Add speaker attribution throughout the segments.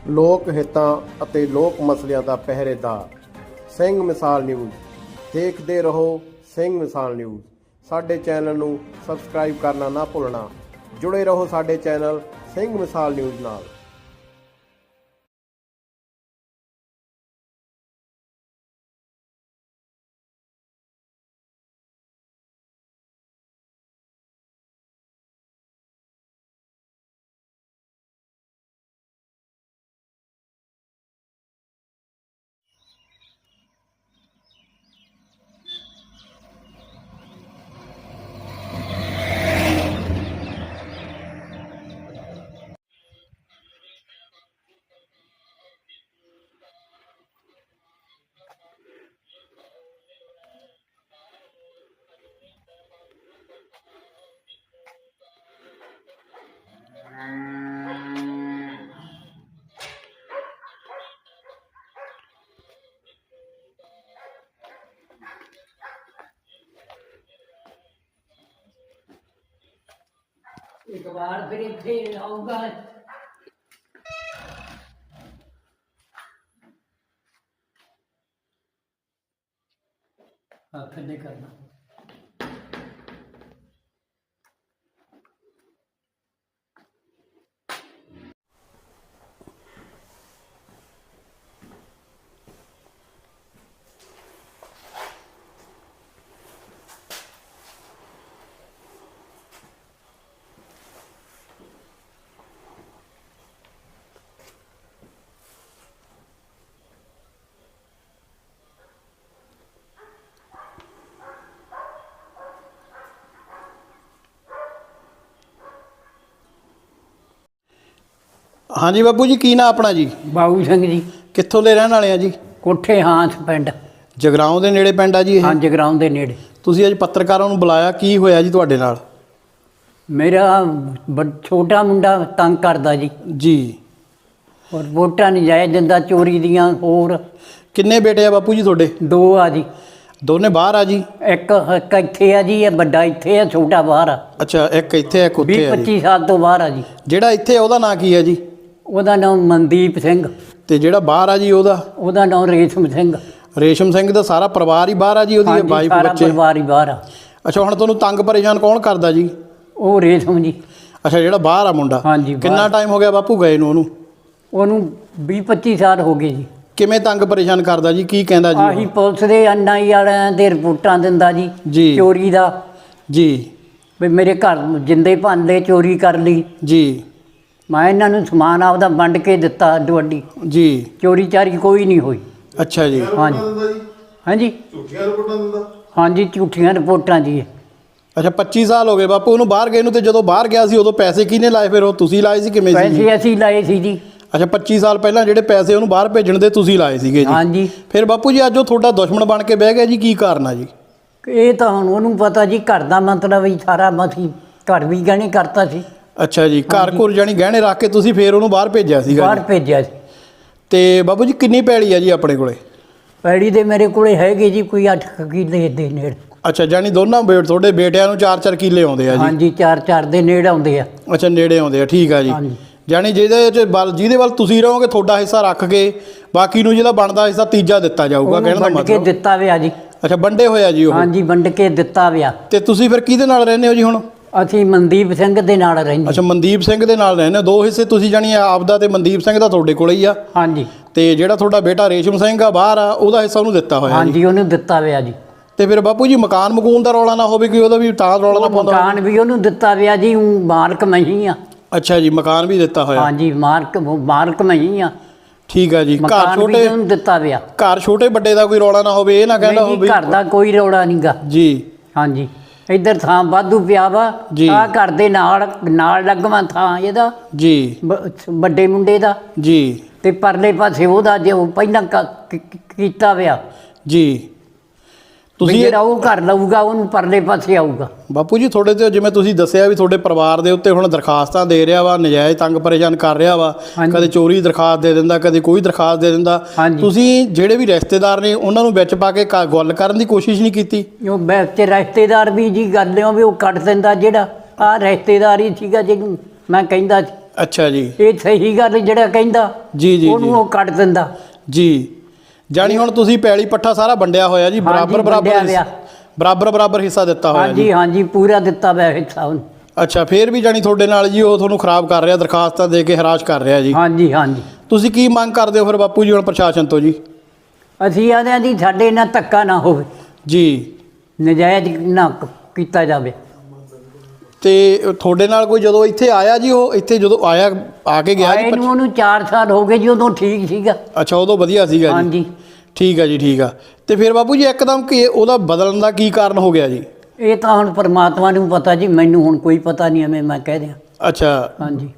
Speaker 1: ਲੋਕ ਹਿੱਤਾਂ ਅਤੇ ਲੋਕ ਮਸਲਿਆਂ ਦਾ ਪਹਿਰੇਦਾਰ ਸਿੰਘ ਮਿਸਾਲ ਨਿਊਜ਼। ਦੇਖਦੇ ਰਹੋ ਸਿੰਘ ਮਿਸਾਲ ਨਿਊਜ਼। ਸਾਡੇ ਚੈਨਲ ਨੂੰ ਸਬਸਕ੍ਰਾਈਬ ਕਰਨਾ ਨਾ ਭੁੱਲਣਾ। ਜੁੜੇ ਰਹੋ ਸਾਡੇ ਚੈਨਲ ਸਿੰਘ ਮਿਸਾਲ ਨਿਊਜ਼ ਨਾਲ।
Speaker 2: एक बार फिर आऊंगा। फिर नहीं करना।
Speaker 1: हाँ जी बापू जी, की ना अपना जी?
Speaker 2: बाबू सिंह जी।
Speaker 1: कित्थों दे रहण वाले आ जी?
Speaker 2: कोठे हांस पिंड।
Speaker 1: जगराओं दे नेड़े पिंड आ जी?
Speaker 2: हाँ, जगराउं दे नेड़े।
Speaker 1: तुसीं अज पत्रकारां नूं बुलाया, की होया जी तुहाडे नाल?
Speaker 2: मेरा छोटा मुंडा तंग करदा जी।
Speaker 1: जी।
Speaker 2: और वोटां नजायज़ दिंदा, चोरी दियां। होर
Speaker 1: किन्ने बेटे आ बापू जी तुहाडे?
Speaker 2: दो आ जी।
Speaker 1: दोने बाहर आ जी?
Speaker 2: एक इत्थे आ जी, बड़ा इत्थे आ, छोटा बाहर आ।
Speaker 1: अच्छा, एक इत्थे एक उत्थे आ जी।
Speaker 2: 20-25 साल तो बाहर आ जी।
Speaker 1: ਜਿਹੜਾ ਇੱਥੇ ਉਹਦਾ ਨਾਂ ਕੀ ਹੈ ਜੀ?
Speaker 2: ਉਹਦਾ ਨਾਮ ਮਨਦੀਪ ਸਿੰਘ।
Speaker 1: ਤੇ ਜਿਹੜਾ ਬਾਹਰ ਆ ਜੀ
Speaker 2: ਉਹਦਾ ਨਾਮ ਰੇਸ਼ਮ ਸਿੰਘ।
Speaker 1: ਰੇਸ਼ਮ ਸਿੰਘ ਦਾ ਸਾਰਾ ਪਰਿਵਾਰ ਹੀ ਬਾਹਰ ਆ ਜੀ? ਉਹਦੀ ਵਾਈਫ
Speaker 2: ਸਾਰਾ
Speaker 1: ਬੱਚੇ?
Speaker 2: ਪਰਿਵਾਰ ਹੀ ਬਾਹਰ ਆ।
Speaker 1: ਅੱਛਾ, ਹੁਣ ਤੁਹਾਨੂੰ ਤੰਗ ਪਰੇਸ਼ਾਨ ਕੌਣ ਕਰਦਾ ਜੀ?
Speaker 2: ਉਹ ਰੇਸ਼ਮ ਜੀ।
Speaker 1: ਅੱਛਾ, ਜਿਹੜਾ ਬਾਹਰ ਆ ਮੁੰਡਾ?
Speaker 2: ਹਾਂਜੀ।
Speaker 1: ਕਿੰਨਾ ਟਾਈਮ ਹੋ ਗਿਆ ਬਾਪੂ ਗਏ ਨੂੰ ਉਹਨੂੰ?
Speaker 2: ਉਹਨੂੰ 20-25 ਸਾਲ ਹੋ ਗਏ ਜੀ।
Speaker 1: ਕਿਵੇਂ ਤੰਗ ਪਰੇਸ਼ਾਨ ਕਰਦਾ ਜੀ? ਕੀ ਕਹਿੰਦਾ ਜੀ?
Speaker 2: ਆਹੀ ਪੁਲਿਸ ਦੇ NI ਵਾਲਿਆਂ ਦੇ ਰਿਪੋਰਟਾਂ ਦਿੰਦਾ ਜੀ ਚੋਰੀ ਦਾ।
Speaker 1: ਜੀ।
Speaker 2: ਵੀ ਮੇਰੇ ਘਰ ਜਿੰਦੇ ਭੰਨ ਲਏ, ਚੋਰੀ ਕਰ ਲਈ
Speaker 1: ਜੀ।
Speaker 2: ਮੈਂ ਇਹਨਾਂ ਨੂੰ ਸਮਾਨ ਆਪਦਾ ਵੰਡ ਕੇ ਦਿੱਤਾ ਅੱਡੋ ਅੱਡੀ।
Speaker 1: ਜੀ।
Speaker 2: ਚੋਰੀ ਚਾਰੀ ਕੋਈ ਨਹੀਂ ਹੋਈ।
Speaker 1: ਅੱਛਾ ਜੀ।
Speaker 2: ਹਾਂਜੀ ਹਾਂਜੀ।
Speaker 3: ਝੂਠੀਆਂ ਰਿਪੋਰਟਾਂ ਦਿੰਦਾ?
Speaker 2: ਹਾਂਜੀ, ਝੂਠੀਆਂ ਰਿਪੋਰਟਾਂ ਜੀ।
Speaker 1: ਅੱਛਾ, 25 ਸਾਲ ਹੋ ਗਏ ਬਾਪੂ ਉਹਨੂੰ ਬਾਹਰ ਗਏ ਨੂੰ। ਤੇ ਜਦੋਂ ਬਾਹਰ ਗਿਆ ਸੀ ਉਦੋਂ ਪੈਸੇ ਕਿਹਨੇ ਲਾਏ? ਫਿਰ ਉਹ ਤੁਸੀਂ ਲਾਏ ਸੀ? ਕਿਵੇਂ ਸੀ?
Speaker 2: ਪੈਸੇ ਅਸੀਂ ਲਾਏ ਸੀ ਜੀ।
Speaker 1: ਅੱਛਾ, 25 ਸਾਲ ਪਹਿਲਾਂ ਜਿਹੜੇ ਪੈਸੇ ਉਹਨੂੰ ਬਾਹਰ ਭੇਜਣ ਦੇ ਤੁਸੀਂ ਲਾਏ ਸੀਗੇ ਜੀ?
Speaker 2: ਹਾਂਜੀ।
Speaker 1: ਫਿਰ ਬਾਪੂ ਜੀ ਅੱਜ ਉਹ ਤੁਹਾਡਾ ਦੁਸ਼ਮਣ ਬਣ ਕੇ ਬਹਿ ਗਿਆ ਜੀ, ਕੀ ਕਾਰਨ ਆ ਜੀ?
Speaker 2: ਇਹ ਤਾਂ ਹੁਣ ਉਹਨੂੰ ਪਤਾ ਜੀ। ਘਰ ਦਾ ਮਤਲਬ ਹੀ ਸਾਰਾ ਮਸੀਂ ਘਰ ਵੀ ਗਹਿਣੇ ਕਰਤਾ ਸੀ।
Speaker 1: ਅੱਛਾ ਜੀ, ਘਰ ਘੁਰ ਜਾਣੀ ਗਹਿਣੇ ਰੱਖ ਕੇ ਤੁਸੀਂ ਫਿਰ ਉਹਨੂੰ ਬਾਹਰ ਭੇਜਿਆ ਸੀਗਾ?
Speaker 2: ਬਾਹਰ ਭੇਜਿਆ ਸੀ।
Speaker 1: ਤੇ ਬਾਬੂ ਜੀ ਕਿੰਨੀ ਪੈਲੀ ਆ ਜੀ ਆਪਣੇ ਕੋਲੇ?
Speaker 2: ਪੈੜੀ ਦੇ ਮੇਰੇ ਕੋਲੇ ਹੈਗੇ ਜੀ ਕੋਈ 8 ਕਿੱਲੇ ਦੇ ਨੇੜੇ।
Speaker 1: ਅੱਛਾ, ਜਾਨੀ ਦੋਨਾਂ ਤੁਹਾਡੇ ਬੇਟਿਆਂ ਨੂੰ 4-4 ਕਿੱਲੇ ਆਉਂਦੇ ਆ ਜੀ?
Speaker 2: ਹਾਂਜੀ, 4-4 ਦੇ ਨੇੜੇ ਆਉਂਦੇ ਆ।
Speaker 1: ਅੱਛਾ, ਨੇੜੇ ਆਉਂਦੇ ਆ, ਠੀਕ ਆ ਜੀ। ਜਾਨੀ ਜਿਹਦੇ ਵੱਲ ਤੁਸੀਂ ਰਹੋਗੇ ਤੁਹਾਡਾ ਹਿੱਸਾ ਰੱਖ ਕੇ ਬਾਕੀ ਨੂੰ ਜਿਹੜਾ ਬਣਦਾ ਹਿੱਸਾ ਤੀਜਾ ਦਿੱਤਾ ਜਾਊਗਾ, ਕਹਿਣ ਦਾ
Speaker 2: ਮਤਲਬ। ਵੰਡ ਕੇ ਦਿੱਤਾ ਵਿਆ ਜੀ।
Speaker 1: ਅੱਛਾ, ਵੰਡੇ ਹੋਇਆ ਜੀ ਉਹ?
Speaker 2: ਹਾਂਜੀ, ਵੰਡ ਕੇ ਦਿੱਤਾ ਵਿਆ।
Speaker 1: ਤੇ ਤੁਸੀਂ ਫਿਰ ਕਿਹਦੇ ਨਾਲ ਰਹਿੰਦੇ ਹੋ ਜੀ ਹੁਣ?
Speaker 2: ਅਸੀਂ ਮਨਦੀਪ ਸਿੰਘ ਦੇ ਨਾਲ ਰਹਿੰਦੇ।
Speaker 1: ਅੱਛਾ, ਮਨਦੀਪ ਸਿੰਘ ਦੇ ਨਾਲ ਰਹਿੰਦੇ ਹੋ। ਦੋ ਹਿੱਸੇ ਤੁਸੀਂ ਜਾਨੀ ਆਪਦਾ ਤੇ ਮਨਦੀਪ ਸਿੰਘ ਦਾ ਤੁਹਾਡੇ ਕੋਲ ਹੀ ਆ?
Speaker 2: ਹਾਂਜੀ।
Speaker 1: ਤੇ ਜਿਹੜਾ ਤੁਹਾਡਾ ਬੇਟਾ ਰੇਸ਼ਮ ਸਿੰਘ ਆ ਬਾਹਰ ਆ, ਉਹਦਾ ਹਿੱਸਾ ਉਹਨੂੰ ਦਿੱਤਾ ਹੋਇਆ?
Speaker 2: ਹਾਂਜੀ, ਉਹਨੂੰ ਦਿੱਤਾ ਵਿਆ ਜੀ।
Speaker 1: ਤੇ ਫਿਰ ਬਾਪੂ ਜੀ ਮਕਾਨ ਮਕੂਨ ਦਾ ਰੌਲਾ ਨਾ ਹੋਵੇ ਕਿ ਉਹਦਾ ਵੀ ਤਾਂ ਰੌਲਾ ਨਾ ਪਾਉਂਦਾ?
Speaker 2: ਮਕਾਨ ਵੀ ਉਹਨੂੰ ਦਿੱਤਾ ਵਿਆ ਜੀ। ਮਾਲਕ ਮੈਂ ਹੀ ਆ।
Speaker 1: ਅੱਛਾ ਜੀ, ਮਕਾਨ ਵੀ ਦਿੱਤਾ ਹੋਇਆ?
Speaker 2: ਹਾਂਜੀ, ਮਾਲਕ ਮੈਂ ਹੀ ਆ।
Speaker 1: ਠੀਕ ਆ ਜੀ। ਘਰ ਛੋਟੇ
Speaker 2: ਉਹਨੂੰ ਦਿੱਤਾ ਵਿਆ।
Speaker 1: ਘਰ ਛੋਟੇ ਵੱਡੇ ਦਾ ਕੋਈ ਰੌਲਾ ਨਾ ਹੋਵੇ, ਇਹ ਨਾ ਕਹਿੰਦਾ ਹੋਵੇ?
Speaker 2: ਘਰ ਦਾ ਕੋਈ ਰੌਲਾ ਨਹੀਂਗਾ
Speaker 1: ਜੀ।
Speaker 2: ਹਾਂਜੀ, ਇੱਧਰ ਥਾਂ ਵਾਧੂ ਪਿਆ ਵਾ। ਆ ਘਰ ਦੇ ਨਾਲ ਲੱਗਵਾ ਥਾਂ ਇਹਦਾ
Speaker 1: ਜੀ,
Speaker 2: ਵੱਡੇ ਮੁੰਡੇ ਦਾ
Speaker 1: ਜੀ।
Speaker 2: ਤੇ ਪਰਲੇ ਪਾਸੇ ਉਹਦਾ ਜੋ ਪਹਿਲਾਂ ਕੀਤਾ ਵਿਆ
Speaker 1: ਜੀ।
Speaker 2: ਤੁਸੀਂ ਜਿਹੜਾ ਉਹ ਘਰ ਲਊਗਾ ਉਹਨੂੰ ਪਰਲੇ ਪਾਸੇ ਆਊਗਾ।
Speaker 1: ਬਾਪੂ ਜੀ ਤੁਹਾਡੇ ਤੇ ਜਿਵੇਂ ਤੁਸੀਂ ਦੱਸਿਆ ਵੀ ਤੁਹਾਡੇ ਪਰਿਵਾਰ ਦੇ ਉੱਤੇ ਹੁਣ ਦਰਖਾਸਤਾਂ ਦੇ ਰਿਹਾ ਵਾ, ਨਜਾਇਜ਼ ਤੰਗ ਪਰੇਸ਼ਾਨ ਕਰ ਰਿਹਾ ਵਾ, ਕਦੇ ਚੋਰੀ ਦਰਖਾਸਤ ਦੇ ਦਿੰਦਾ, ਕਦੇ ਕੋਈ ਦਰਖਾਸਤ ਦੇ ਦਿੰਦਾ। ਤੁਸੀਂ ਜਿਹੜੇ ਵੀ ਰਿਸ਼ਤੇਦਾਰ ਨੇ ਉਹਨਾਂ ਨੂੰ ਵਿੱਚ ਪਾ ਕੇ ਗੱਲ ਕਰਨ ਦੀ ਕੋਸ਼ਿਸ਼ ਨਹੀਂ ਕੀਤੀ?
Speaker 2: ਉਹ ਵਿੱਚ ਰਿਸ਼ਤੇਦਾਰ ਵੀ ਜੀ ਗੱਲ ਵੀ ਉਹ ਕੱਢ ਦਿੰਦਾ। ਜਿਹੜਾ ਆਹ ਰਿਸ਼ਤੇਦਾਰ ਹੀ ਸੀਗਾ ਜਿਹਨੂੰ ਮੈਂ ਕਹਿੰਦਾ ਸੀ।
Speaker 3: ਅੱਛਾ ਜੀ
Speaker 2: ਇਹ ਸਹੀ ਗੱਲ ਜਿਹੜਾ ਕਹਿੰਦਾ
Speaker 3: ਜੀ ਜੀ
Speaker 2: ਉਹਨੂੰ ਉਹ ਕੱਢ ਦਿੰਦਾ।
Speaker 3: ਜੀ ਜਾਣੀ ਹੁਣ ਤੁਸੀਂ ਪੈਲੀ ਪੱਠਾ ਸਾਰਾ ਵੰਡਿਆ ਹੋਇਆ ਜੀ, ਬਰਾਬਰ ਬਰਾਬਰ ਹਿੱਸਾ ਦਿੱਤਾ ਹੋਇਆ ਜੀ।
Speaker 2: ਹਾਂਜੀ ਹਾਂਜੀ ਪੂਰਾ ਦਿੱਤਾ ਹੋਇਆ ਹਿੱਸਾ ਉਹਨੂੰ।
Speaker 3: ਅੱਛਾ ਫਿਰ ਵੀ ਜਾਣੀ ਤੁਹਾਡੇ ਨਾਲ ਜੀ ਉਹ ਤੁਹਾਨੂੰ ਖਰਾਬ ਕਰ ਰਿਹਾ, ਦਰਖਾਸਤਾਂ ਦੇ ਕੇ ਹਰਾਸ਼ ਕਰ ਰਿਹਾ ਜੀ।
Speaker 2: ਹਾਂਜੀ ਹਾਂਜੀ।
Speaker 3: ਤੁਸੀਂ ਕੀ ਮੰਗ ਕਰਦੇ ਹੋ ਫਿਰ ਬਾਪੂ ਜੀ ਹੁਣ ਪ੍ਰਸ਼ਾਸਨ ਤੋਂ ਜੀ?
Speaker 2: ਅਸੀਂ ਆਦੇ ਹਾਂ ਜੀ ਸਾਡੇ ਨਾਲ ਧੱਕਾ ਨਾ ਹੋਵੇ
Speaker 3: ਜੀ,
Speaker 2: ਨਜਾਇਜ਼ ਨਾ ਕੀਤਾ ਜਾਵੇ।
Speaker 3: ਤੇ ਤੁਹਾਡੇ ਨਾਲ ਕੋਈ ਜਦੋਂ ਇੱਥੇ ਆਇਆ ਜੀ, ਉਹ ਇੱਥੇ ਜਦੋਂ ਆਇਆ ਆ ਕੇ ਗਿਆ ਜੀ?
Speaker 2: ਇਹਨੂੰ ਉਹਨੂੰ 4 ਸਾਲ ਹੋ ਗਏ ਜੀ, ਉਦੋਂ ਠੀਕ ਸੀਗਾ।
Speaker 3: ਅੱਛਾ ਉਦੋਂ ਵਧੀਆ ਸੀਗਾ ਜੀ।
Speaker 2: ਹਾਂਜੀ
Speaker 3: ਠੀਕ ਹੈ ਜੀ ਠੀਕ ਆ। ਤੇ ਫਿਰ ਬਾਪੂ ਜੀ ਇੱਕਦਮ ਕਿ ਉਹਦਾ ਬਦਲਣ ਦਾ ਕੀ ਕਾਰਨ ਹੋ ਗਿਆ ਜੀ?
Speaker 2: ਇਹ ਤਾਂ ਹੁਣ ਪਰਮਾਤਮਾ ਨੂੰ ਪਤਾ ਜੀ, ਮੈਨੂੰ ਹੁਣ ਕੋਈ ਪਤਾ ਨਹੀਂ ਐਵੇਂ ਮੈਂ ਕਹਿ ਦਿਆਂ।
Speaker 3: ਅੱਛਾ
Speaker 2: ਹਾਂਜੀ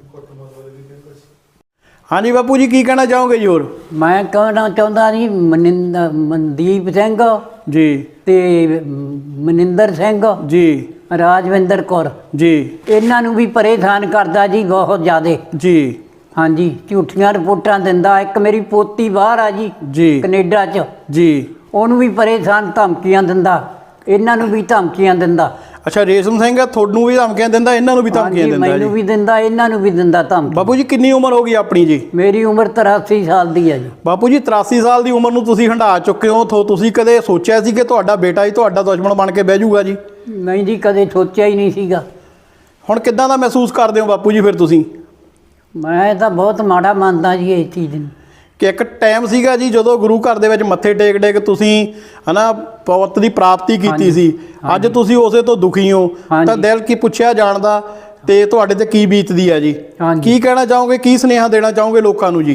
Speaker 3: ਹਾਂਜੀ ਬਾਪੂ ਜੀ ਕੀ ਕਹਿਣਾ ਚਾਹੋਗੇ ਜੀ ਹੋਰ?
Speaker 2: ਮੈਂ ਕਹਿਣਾ ਚਾਹੁੰਦਾ ਜੀ ਮਨਦੀਪ ਸਿੰਘ
Speaker 3: ਜੀ
Speaker 2: ਤੇ ਮਨਿੰਦਰ ਸਿੰਘ
Speaker 3: ਜੀ
Speaker 2: ਰਾਜਵਿੰਦਰ ਕੌਰ,
Speaker 3: ਜੀ
Speaker 2: ਇਹਨਾਂ ਨੂੰ ਵੀ ਪਰੇਸ਼ਾਨ ਕਰਦਾ ਜੀ ਬਹੁਤ ਜ਼ਿਆਦੇ।
Speaker 3: ਜੀ
Speaker 2: ਹਾਂਜੀ ਝੂਠੀਆਂ ਰਿਪੋਰਟਾਂ ਦਿੰਦਾ। ਇੱਕ ਮੇਰੀ ਪੋਤੀ ਬਾਹਰ ਆ ਜੀ
Speaker 3: ਜੀ
Speaker 2: ਕੈਨੇਡਾ 'ਚ,
Speaker 3: ਜੀ
Speaker 2: ਉਹਨੂੰ ਵੀ ਪਰੇਸ਼ਾਨ ਧਮਕੀਆਂ ਦਿੰਦਾ, ਇਹਨਾਂ ਨੂੰ ਵੀ ਧਮਕੀਆਂ ਦਿੰਦਾ।
Speaker 3: ਅੱਛਾ ਰੇਸ਼ਮ ਸਿੰਘ ਤੁਹਾਨੂੰ ਵੀ ਧਮਕੀਆਂ ਦਿੰਦਾ, ਇਹਨਾਂ ਨੂੰ ਵੀ ਧਮਕੀਆਂ
Speaker 2: ਹਾਂਜੀ,
Speaker 3: ਦਿੰਦਾ ਜੀ?
Speaker 2: ਮੈਨੂੰ ਵੀ ਦਿੰਦਾ, ਇਹਨਾਂ ਨੂੰ ਵੀ ਦਿੰਦਾ ਧਮਕੀ।
Speaker 3: ਬਾਪੂ ਜੀ ਕਿੰਨੀ ਉਮਰ ਹੋ ਗਈ ਆਪਣੀ ਜੀ?
Speaker 2: ਮੇਰੀ ਉਮਰ 83 ਸਾਲ ਦੀ ਹੈ ਜੀ।
Speaker 3: ਬਾਪੂ ਜੀ 83 ਸਾਲ ਦੀ ਉਮਰ ਨੂੰ ਤੁਸੀਂ ਹੰਢਾ ਚੁੱਕੇ ਹੋ। ਤੁਸੀਂ ਕਦੇ ਸੋਚਿਆ ਸੀ ਕਿ ਤੁਹਾਡਾ ਬੇਟਾ ਹੀ ਤੁਹਾਡਾ ਦੁਸ਼ਮਣ ਬਣ ਕੇ ਬਹਿ ਜਾਊਗਾ ਜੀ?
Speaker 2: ਨਹੀਂ ਜੀ, ਕਦੇ ਸੋਚਿਆ ਹੀ ਨਹੀਂ ਸੀਗਾ।
Speaker 3: ਹੁਣ ਕਿੱਦਾਂ ਦਾ ਮਹਿਸੂਸ ਕਰਦੇ ਹੋ ਬਾਪੂ ਜੀ ਫਿਰ ਤੁਸੀਂ?
Speaker 2: ਮੈਂ ਤਾਂ ਬਹੁਤ ਮਾੜਾ ਮੰਨਦਾ ਜੀ ਇਸ ਚੀਜ਼ ਨੂੰ।
Speaker 3: ਕਿ ਇੱਕ ਟਾਈਮ ਸੀਗਾ ਜੀ ਜਦੋਂ ਗੁਰੂ ਘਰ ਦੇ ਵਿੱਚ ਮੱਥੇ ਟੇਕ ਤੁਸੀਂ ਹਨਾ ਪਵਤ ਦੀ ਪ੍ਰਾਪਤੀ ਕੀਤੀ ਸੀ, ਅੱਜ ਤੁਸੀਂ ਉਸੇ ਤੋਂ ਦੁਖੀ ਹੋ, ਤਾਂ ਦਿਲ ਕੀ ਪੁੱਛਿਆ ਜਾਣਦਾ ਤੇ ਤੁਹਾਡੇ ਤੇ ਕੀ ਬੀਤਦੀ ਹੈ ਜੀ? ਕੀ ਕਹਿਣਾ ਚਾਹੋਗੇ, ਕੀ ਸੁਨੇਹਾ ਦੇਣਾ ਚਾਹੋਗੇ ਲੋਕਾਂ ਨੂੰ ਜੀ?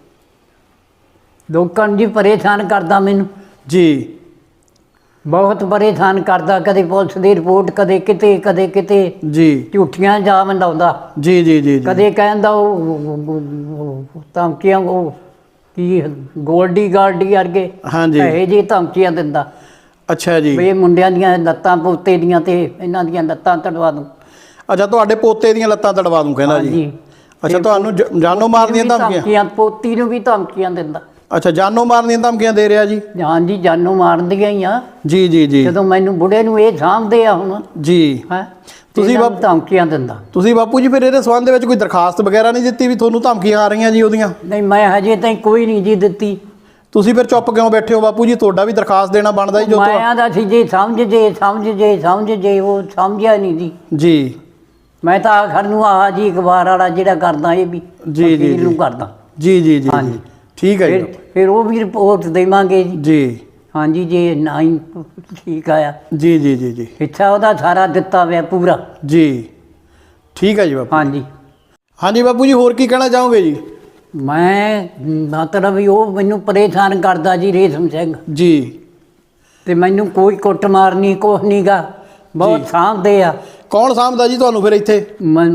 Speaker 2: ਲੋਕਾਂ ਨੂੰ ਜੀ ਪਰੇਸ਼ਾਨ ਕਰਦਾ ਮੈਨੂੰ
Speaker 3: ਜੀ,
Speaker 2: ਬਹੁਤ ਪਰੇਸ਼ਾਨ ਕਰਦਾ। ਕਦੇ ਪੁਲਿਸ ਦੀ ਰਿਪੋਰਟ, ਕਦੇ ਕਿਤੇ
Speaker 3: ਜੀ
Speaker 2: ਝੂਠੀਆਂ ਇਲਜ਼ਾਮ ਲਾਉਂਦਾ।
Speaker 3: ਜੀ ਜੀ ਜੀ
Speaker 2: ਕਦੇ ਕਹਿੰਦਾ ਉਹ ਧਮਕੀਆਂ, ਉਹ ਕੀ ਗੋਲਡੀ ਗਾਰਡੀ ਵਰਗੇ
Speaker 3: ਹਾਂਜੀ
Speaker 2: ਇਹ ਜਿਹੀ ਧਮਕੀਆਂ ਦਿੰਦਾ।
Speaker 3: ਅੱਛਾ ਜੀ
Speaker 2: ਵੀ ਇਹ ਮੁੰਡਿਆਂ ਦੀਆਂ ਲੱਤਾਂ ਪੋਤੇ ਦੀਆਂ ਤੇ ਇਹਨਾਂ ਦੀਆਂ ਲੱਤਾਂ ਤੜਵਾ ਦੂੰ।
Speaker 3: ਅੱਛਾ ਤੁਹਾਡੇ ਪੋਤੇ ਦੀਆਂ ਲੱਤਾਂ ਤੜਵਾ ਦੂੰ ਕਹਿੰਦਾ ਜੀ? ਅੱਛਾ ਤੁਹਾਨੂੰ ਜਾਨੋਂ ਮਾਰਨ ਦੀਆਂ ਧਮਕੀਆਂ?
Speaker 2: ਪੋਤੀ ਨੂੰ ਵੀ ਧਮਕੀਆਂ ਦਿੰਦਾ।
Speaker 3: ਅੱਛਾ ਜਾਨੋਂ ਮਾਰਨ ਦੀਆਂ ਧਮਕੀਆਂ ਦੇ ਰਿਹਾ ਜੀ?
Speaker 2: ਹਾਂਜੀ ਜਾਨੋਂ ਮਾਰਨ ਦੀਆਂ ਹੀ ਆ।
Speaker 3: ਜੀ ਜੀ ਜੀ
Speaker 2: ਜਦੋਂ ਮੈਨੂੰ ਬੁੜੇ ਨੂੰ ਇਹ ਸਾਂਭਦੇ ਆ ਹੁਣ
Speaker 3: ਜੀ।
Speaker 2: ਹੈ
Speaker 3: ਤੁਸੀਂ
Speaker 2: ਧਮਕੀਆਂ ਦਿੰਦਾ।
Speaker 3: ਤੁਸੀਂ ਬਾਪੂ ਜੀ ਫਿਰ ਇਹਦੇ ਸੰਬੰਧ ਦੇ ਵਿੱਚ ਕੋਈ ਦਰਖਾਸਤ ਵਗੈਰਾ ਨਹੀਂ ਦਿੱਤੀ ਵੀ ਤੁਹਾਨੂੰ ਧਮਕੀਆਂ ਆ ਰਹੀਆਂ ਜੀ ਉਹਦੀਆਂ?
Speaker 2: ਨਹੀਂ ਮੈਂ ਹਜੇ ਤਾਈਂ ਕੋਈ ਨਹੀਂ ਜੀ ਦਿੱਤੀ।
Speaker 3: ਤੁਸੀਂ ਫਿਰ ਚੁੱਪ ਕਿਉਂ ਬੈਠੇ ਹੋ ਬਾਪੂ ਜੀ? ਤੁਹਾਡਾ ਵੀ ਦਰਖਾਸਤ ਦੇਣਾ ਬਣਦਾ ਜੀ। ਜੋ
Speaker 2: ਮੈਂ ਆਦਾ ਸੀ ਜੇ ਸਮਝ ਜੇ ਉਹ ਸਮਝਿਆ ਨਹੀਂ ਜੀ।
Speaker 3: ਜੀ
Speaker 2: ਮੈਂ ਤਾਂ ਆਖਰ ਨੂੰ ਆਹ ਜੀ ਅਖਬਾਰ ਵਾਲਾ ਜਿਹੜਾ ਕਰਦਾ ਇਹ ਵੀ ਜੀ ਨੂੰ ਕਰਦਾ।
Speaker 3: ਜੀ ਜੀ ਜੀ
Speaker 2: ਹਾਂਜੀ
Speaker 3: ਠੀਕ ਹੈ ਜੀ।
Speaker 2: ਫਿਰ ਉਹ ਵੀ ਰਿਪੋਰਟ ਦੇਵਾਂਗੇ ਜੀ।
Speaker 3: ਜੀ
Speaker 2: ਹਾਂਜੀ ਜੇ ਨਾ ਹੀ ਠੀਕ ਆਇਆ
Speaker 3: ਜੀ ਜੀ ਜੀ ਜੀ
Speaker 2: ਹਿੱਸਾ ਉਹਦਾ ਸਾਰਾ ਦਿੱਤਾ ਹੋਇਆ ਪੂਰਾ।
Speaker 3: ਜੀ ਠੀਕ ਹੈ ਜੀ ਬਾਪੂ।
Speaker 2: ਹਾਂਜੀ
Speaker 3: ਹਾਂਜੀ ਬਾਪੂ ਜੀ ਹੋਰ ਕੀ ਕਹਿਣਾ ਚਾਹੋਗੇ ਜੀ?
Speaker 2: ਮੈਂ ਮਤਲਬ ਵੀ ਉਹ ਮੈਨੂੰ ਪਰੇਸ਼ਾਨ ਕਰਦਾ ਜੀ ਰੇਸ਼ਮ ਸਿੰਘ
Speaker 3: ਜੀ।
Speaker 2: ਤੇ ਮੈਨੂੰ ਕੋਈ ਕੁੱਟਮਾਰ ਨਹੀਂ, ਕੁਛ ਨਹੀਂ ਗਾ, ਬਹੁਤ ਸਾਂਭਦੇ ਆ।
Speaker 3: ਕੌਣ ਸਾਂਭਦਾ ਜੀ ਤੁਹਾਨੂੰ ਫਿਰ ਇੱਥੇ?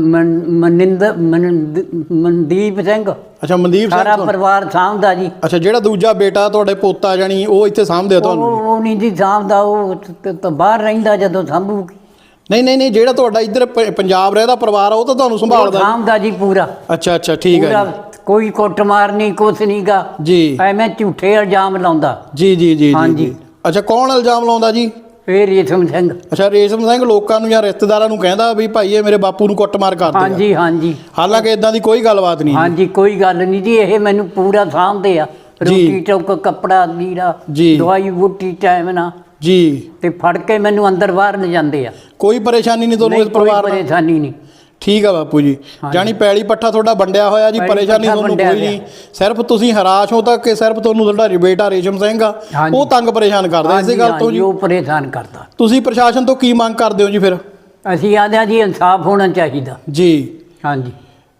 Speaker 2: ਮਨਦੀਪ ਸਿੰਘ।
Speaker 3: ਅੱਛਾ ਮਨਦੀਪ ਸਿੰਘ
Speaker 2: ਸਾਰਾ ਪਰਿਵਾਰ ਸਾਂਭਦਾ ਜੀ।
Speaker 3: ਅੱਛਾ ਜਿਹੜਾ ਦੂਜਾ ਬੇਟਾ ਤੁਹਾਡੇ ਪੋਤਾ ਜਾਣੀ ਉਹ ਇੱਥੇ ਸਾਂਭਦੇ ਆ ਤੁਹਾਨੂੰ?
Speaker 2: ਉਹ ਨਹੀਂ ਜੀ ਸਾਂਭਦਾ, ਉਹ ਤਾਂ ਬਾਹਰ ਰਹਿੰਦਾ ਜਦੋਂ ਸਾਂਭੂਗੀ।
Speaker 3: ਨਹੀਂ ਜਿਹੜਾ ਤੁਹਾਡਾ ਇੱਧਰ ਪੰਜਾਬ ਰਹਿਦਾ ਪਰਿਵਾਰ ਆ ਉਹ ਤਾਂ ਤੁਹਾਨੂੰ ਸੰਭਾਲਦਾ?
Speaker 2: ਸਾਂਭਦਾ ਜੀ ਪੂਰਾ।
Speaker 3: ਅੱਛਾ ਠੀਕ ਹੈ ਜੀ।
Speaker 2: ਕੋਈ ਕੁੱਟਮਾਰ ਨਹੀਂ, ਕੁਛ ਨਹੀਂ ਗਾ
Speaker 3: ਜੀ।
Speaker 2: ਐਵੇਂ ਝੂਠੇ ਇਲਜ਼ਾਮ ਲਾਉਂਦਾ।
Speaker 3: ਜੀ ਜੀ ਜੀ
Speaker 2: ਹਾਂਜੀ।
Speaker 3: ਅੱਛਾ ਕੌਣ ਇਲਜ਼ਾਮ ਲਾਉਂਦਾ ਜੀ?
Speaker 2: ਇਹ ਰੇਸ਼ਮ ਸਿੰਘ।
Speaker 3: ਅੱਛਾ ਰੇਸ਼ਮ ਸਿੰਘ ਲੋਕਾਂ ਨੂੰ ਜਾਂ ਰਿਸ਼ਤੇਦਾਰਾਂ ਨੂੰ ਕਹਿੰਦਾ ਵੀ ਭਾਈ ਇਹ ਮੇਰੇ ਬਾਪੂ ਨੂੰ ਕੁੱਟਮਾਰ ਕਰਦੇ ਆ?
Speaker 2: ਹਾਂਜੀ ਹਾਂਜੀ।
Speaker 3: ਹਾਲਾਂਕਿ ਇਦਾਂ ਦੀ ਕੋਈ ਗੱਲਬਾਤ ਨਹੀਂ?
Speaker 2: ਹਾਂਜੀ ਕੋਈ ਗੱਲ ਨਹੀਂ ਜੀ, ਇਹ ਮੈਨੂੰ ਪੂਰਾ ਸਾਂਭਦੇ ਆ। ਰੋਟੀ ਟੁੱਕ, ਕੱਪੜਾ ਲੀੜਾ, ਦਵਾਈ ਬੂਟੀ ਟਾਈਮ ਨਾਲ
Speaker 3: ਜੀ।
Speaker 2: ਤੇ ਫੜ ਕੇ ਮੈਨੂੰ ਅੰਦਰ ਬਾਹਰ ਲੈ ਜਾਂਦੇ ਆ।
Speaker 3: ਕੋਈ ਪਰੇਸ਼ਾਨੀ ਨਹੀਂ ਤੁਹਾਨੂੰ ਇਸ ਪਰਿਵਾਰ ਨਾਲ?
Speaker 2: ਕੋਈ ਪਰੇਸ਼ਾਨੀ ਨਹੀਂ।
Speaker 3: ਠੀਕ ਆ ਬਾਪੂ ਜੀ। ਜਾਣੀ ਪੈਲੀ ਪੱਠਾ ਤੁਹਾਡਾ ਵੰਡਿਆ ਹੋਇਆ ਜੀ, ਪਰੇਸ਼ਾਨੀ ਤੁਹਾਨੂੰ ਕੋਈ ਨਹੀਂ, ਸਿਰਫ ਤੁਸੀਂ ਹਰਾਸ਼ ਹੋ ਤਾਂ ਕਿ ਸਿਰਫ ਤੁਹਾਨੂੰ ਤੁਹਾਡਾ ਬੇਟਾ ਰੇਸ਼ਮ ਸਿੰਘ ਆ ਉਹ ਤੰਗ ਪਰੇਸ਼ਾਨ ਕਰਦਾ ਇਸੇ ਗੱਲ ਤੋਂ ਜੀ?
Speaker 2: ਉਹ ਪਰੇਸ਼ਾਨ ਕਰਦਾ।
Speaker 3: ਤੁਸੀਂ ਪ੍ਰਸ਼ਾਸਨ ਤੋਂ ਕੀ ਮੰਗ ਕਰਦੇ ਹੋ ਜੀ ਫਿਰ?
Speaker 2: ਅਸੀਂ ਆਦੇ ਆ ਜੀ ਇਨਸਾਫ ਹੋਣਾ ਚਾਹੀਦਾ
Speaker 3: ਜੀ।
Speaker 2: ਹਾਂਜੀ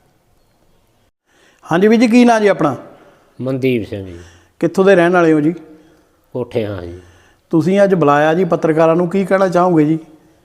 Speaker 3: ਹਾਂਜੀ ਵੀਰ ਜੀ ਕੀ ਨਾਂ ਜੀ ਆਪਣਾ?
Speaker 4: ਮਨਦੀਪ ਸਿੰਘ ਜੀ।
Speaker 3: ਕਿੱਥੋਂ ਦੇ ਰਹਿਣ ਵਾਲੇ ਹੋ ਜੀ?
Speaker 4: ਕੋਠੇ ਹਾਂ ਜੀ।
Speaker 3: ਤੁਸੀਂ ਅੱਜ ਬੁਲਾਇਆ ਜੀ ਪੱਤਰਕਾਰਾਂ ਨੂੰ, ਕੀ ਕਹਿਣਾ ਚਾਹੋਗੇ ਜੀ?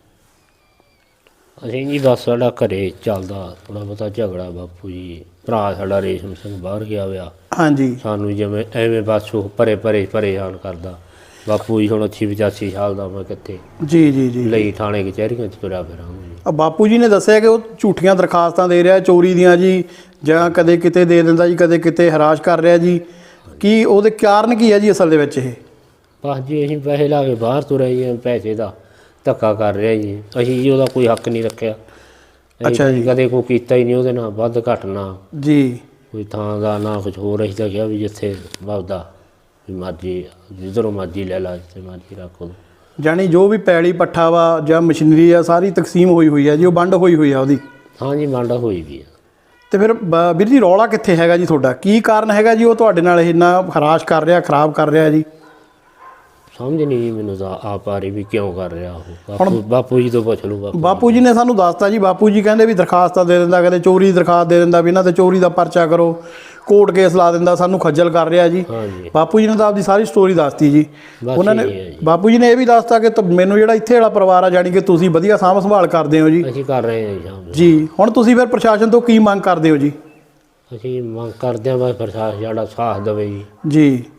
Speaker 4: ਅਸੀਂ ਜੀ ਬਸ ਸਾਡਾ ਘਰੇ ਚੱਲਦਾ ਥੋੜ੍ਹਾ ਬਹੁਤਾ ਝਗੜਾ ਬਾਪੂ ਜੀ, ਭਰਾ ਸਾਡਾ ਰੇਸ਼ਮ ਸਿੰਘ ਬਾਹਰ ਗਿਆ ਹੋਇਆ। ਹਾਂਜੀ। ਸਾਨੂੰ ਜਿਵੇਂ ਐਵੇਂ ਬਸ ਉਹ ਪਰੇਸ਼ਾਨ ਕਰਦਾ ਬਾਪੂ ਜੀ। ਹੁਣ 85 ਸਾਲ ਦਾ ਮੈਂ ਕਿੱਥੇ ਜੀ ਲਈ ਥਾਣੇ ਕਚਹਿਰੀਆਂ 'ਚ ਤੁਰਿਆ ਫਿਰਾਂਗਾ ਜੀ।
Speaker 3: ਬਾਪੂ ਜੀ ਨੇ ਦੱਸਿਆ ਕਿ ਉਹ ਝੂਠੀਆਂ ਦਰਖਾਸਤਾਂ ਦੇ ਰਿਹਾ ਚੋਰੀ ਦੀਆਂ ਜੀ, ਜਾਂ ਕਦੇ ਕਿਤੇ ਦੇ ਦਿੰਦਾ ਜੀ, ਕਦੇ ਕਿਤੇ ਹਰਾਸ਼ ਕਰ ਰਿਹਾ ਜੀ। ਕੀ ਉਹਦੇ ਕਾਰਨ ਕੀ ਹੈ ਜੀ ਅਸਲ ਦੇ ਵਿੱਚ? ਇਹ
Speaker 4: ਬਸ ਜੀ ਅਸੀਂ ਪੈਸੇ ਲਾ ਕੇ ਬਾਹਰ ਤੁਰੇ ਜੀ, ਪੈਸੇ ਦਾ ਧੱਕਾ ਕਰ ਰਿਹਾ ਜੀ। ਅਸੀਂ ਜੀ ਉਹਦਾ ਕੋਈ ਹੱਕ ਨਹੀਂ ਰੱਖਿਆ,
Speaker 3: ਅੱਛਾ ਜੀ।
Speaker 4: ਕਦੇ ਕੋਈ ਕੀਤਾ ਹੀ ਨਹੀਂ ਉਹਦੇ ਨਾਲ ਵੱਧ ਘੱਟ ਨਾ
Speaker 3: ਜੀ
Speaker 4: ਕੋਈ ਥਾਂ ਦਾ ਨਾ ਕੁਝ ਹੋਰ। ਅਸੀਂ ਤਾਂ ਕਿਹਾ ਵੀ ਜਿੱਥੇ ਵੱਧਦਾ ਵੀ ਮਰਜ਼ੀ ਜਿੱਧਰੋਂ ਮਰਜ਼ੀ ਲੈ ਲਾ, ਜਿੱਥੇ ਮਰਜ਼ੀ ਰੱਖ ਲਓ।
Speaker 3: ਜਾਣੀ ਜੋ ਵੀ ਪੈਲੀ ਪੱਠਾ ਵਾ ਜਾਂ ਮਸ਼ੀਨਰੀ ਆ ਸਾਰੀ ਤਕਸੀਮ ਹੋਈ ਆ ਜੀ, ਉਹ ਵੰਡ ਹੋਈ ਆ ਉਹਦੀ।
Speaker 4: ਹਾਂਜੀ ਵੰਡ ਹੋਈ ਵੀ ਆ।
Speaker 3: ਤੇ ਫਿਰ ਵੀਰ ਜੀ ਰੌਲਾ ਕਿੱਥੇ ਹੈਗਾ ਜੀ ਤੁਹਾਡਾ? ਕੀ ਕਾਰਨ ਹੈਗਾ ਜੀ ਉਹ ਤੁਹਾਡੇ ਨਾਲ ਇੰਨਾ ਹਰਾਸ਼ ਕਰ ਰਿਹਾ, ਖਰਾਬ ਕਰ ਰਿਹਾ ਜੀ?
Speaker 4: ਸਮਝ ਨਹੀਂ ਜੀ ਮੈਨੂੰ ਤਾਂ ਆਪ ਆ ਰਹੀ ਵੀ ਕਿਉਂ ਕਰ ਰਿਹਾ ਉਹ। ਬਾਪੂ ਜੀ ਤੋਂ ਪੁੱਛ ਲਓ।
Speaker 3: ਬਾਪੂ ਜੀ ਨੇ ਸਾਨੂੰ ਦੱਸਤਾ ਜੀ, ਬਾਪੂ ਜੀ ਕਹਿੰਦੇ ਵੀ ਦਰਖਾਸਤਾਂ ਦੇ ਦਿੰਦਾ, ਕਹਿੰਦੇ ਚੋਰੀ ਦੀ ਦਰਖਾਸਤ ਦੇ ਦਿੰਦਾ ਵੀ ਇਹਨਾਂ ਤੇ ਚੋਰੀ ਦਾ ਪਰਚਾ ਕਰੋ, ਕੋਰਟ ਕੇਸ ਲਾ ਦਿੰਦਾ, ਸਾਨੂੰ ਖੱਜਲ ਕਰ ਰਿਹਾ ਜੀ।
Speaker 4: ਹਾਂਜੀ
Speaker 3: ਬਾਪੂ ਜੀ ਨੇ ਤਾਂ ਆਪਦੀ ਸਾਰੀ ਸਟੋਰੀ ਦੱਸਤੀ ਜੀ। ਉਹਨਾਂ ਨੇ
Speaker 4: ਜੀ।
Speaker 3: ਬਾਪੂ ਜੀ ਨੇ ਇਹ ਵੀ ਦੱਸਤਾ ਕਿ ਮੈਨੂੰ ਜਿਹੜਾ ਇੱਥੇ ਵਾਲਾ ਪਰਿਵਾਰ ਆ ਜਾਣੀ ਕਿ ਤੁਸੀਂ ਵਧੀਆ ਸਾਂਭ ਸੰਭਾਲ ਕਰਦੇ ਹੋ ਜੀ।
Speaker 4: ਅਸੀਂ ਕਰ ਰਹੇ ਹਾਂ ਜੀ ਸ਼ਾਮ ਨੂੰ।
Speaker 3: ਜੀ ਹੁਣ ਤੁਸੀਂ ਫਿਰ ਪ੍ਰਸ਼ਾਸਨ ਤੋਂ ਕੀ ਮੰਗ ਕਰਦੇ ਹੋ ਜੀ?
Speaker 4: ਅਸੀਂ ਮੰਗ ਕਰਦੇ ਹਾਂ ਬਸ ਪ੍ਰਸ਼ਾਸਨ ਸਾਡਾ ਸਾਥ ਦੇਵੇ ਜੀ।
Speaker 3: ਜੀ